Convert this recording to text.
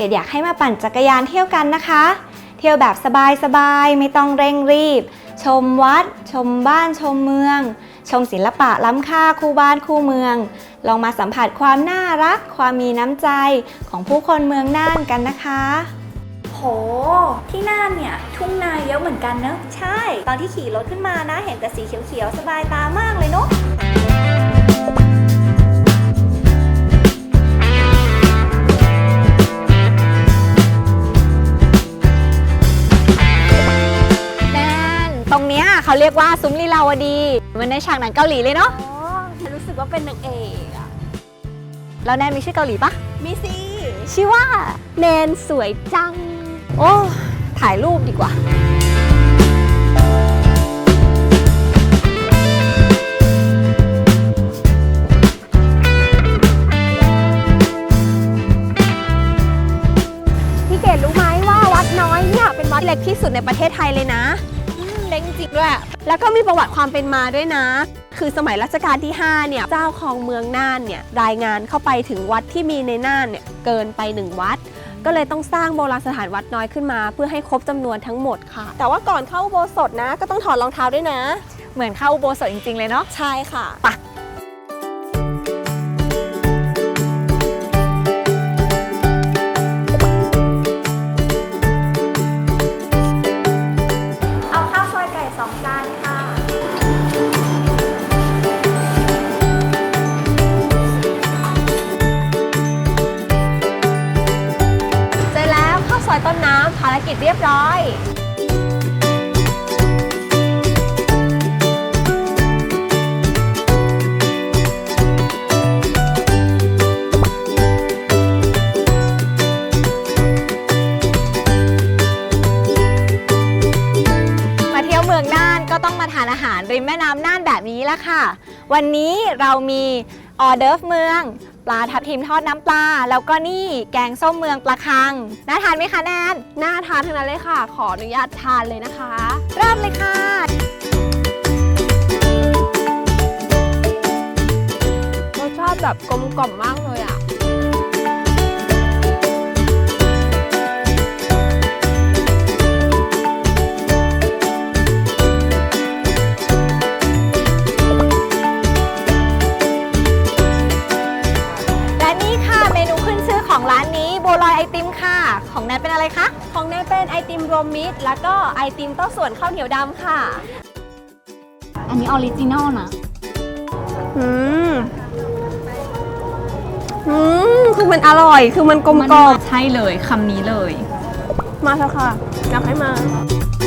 ดอยากให้มาปั่นจักรยานเที่ยวกันนะคะเที่ยวแบบสบายๆไม่ต้องเร่งรีบชมวัดชมบ้านชมเมืองชมศิลปะล้ำค่าคู่บ้านคู่เมืองลองมาสัมผัสความน่ารักความมีน้ำใจของผู้คนเมืองน่านกันนะคะโหที่น่านเนี่ยทุ่งนาเยอะเหมือนกันเนอะใช่ตอนที่ขี่รถขึ้นมานะเห็นแต่สีเขียวๆสบายตามากเลยเนอะตรงเนี้ยเขาเรียกว่าซุ้มลีลาวดีเหมือนในฉากหนังเกาหลีเลยเนาะอ๋อฉันรู้สึกว่าเป็นนางเอกอะแล้วแนนมีชื่อเกาหลีปะมีสิชื่อว่าแนนสวยจังโอ้ถ่ายรูปดีกว่าพี่เกดรู้ไหมว่าวัดน้อยเนี่ยเป็นวัดเล็กที่สุดในประเทศไทยเลยนะเล็กจริงด้วยแล้วก็มีประวัติความเป็นมาด้วยนะคือสมัยรัชกาลที่5เนี่ยเจ้าครองเมืองน่านเนี่ยรายงานเข้าไปถึงวัดที่มีในน่านเนี่ยเกินไป1วัดก็เลยต้องสร้างโบราณสถานวัดน้อยขึ้นมาเพื่อให้ครบจำนวนทั้งหมดค่ะแต่ว่าก่อนเข้าอุโบสถนะก็ต้องถอดรองเท้าด้วยนะเหมือนเข้าอุโบสถจริงๆเลยเนาะใช่ค่ะไปต้นน้ำภารกิจเรียบร้อยมาเที่ยวเมืองน่านก็ต้องมาทานอาหารริมแม่น้ำน่านแบบนี้ละค่ะวันนี้เรามีออเดิร์ฟเมืองปลาทับทิมทอดน้ำปลาแล้วก็นี่แกงส้มเมืองปลาคังน่าทานไหมคะแนนน่าทานทั้งนั้นเลยค่ะขออนุญาตทานเลยนะคะเริ่มเลยค่ะรสชาติแบบกลมกล่อมมากเลยอ่ะของร้านนี้บัวลอยไอติมค่ะของแนนเป็นอะไรคะของแนนเป็นไอติมรวมมิตรแล้วก็ไอติมเต้าส่วนข้าวเหนียวดำค่ะอันนี้ออริจินอลนะคือมันอร่อยคือมันกลมกล่อมใช่เลยคำนี้เลยมาเถอะค่ะอยากให้มา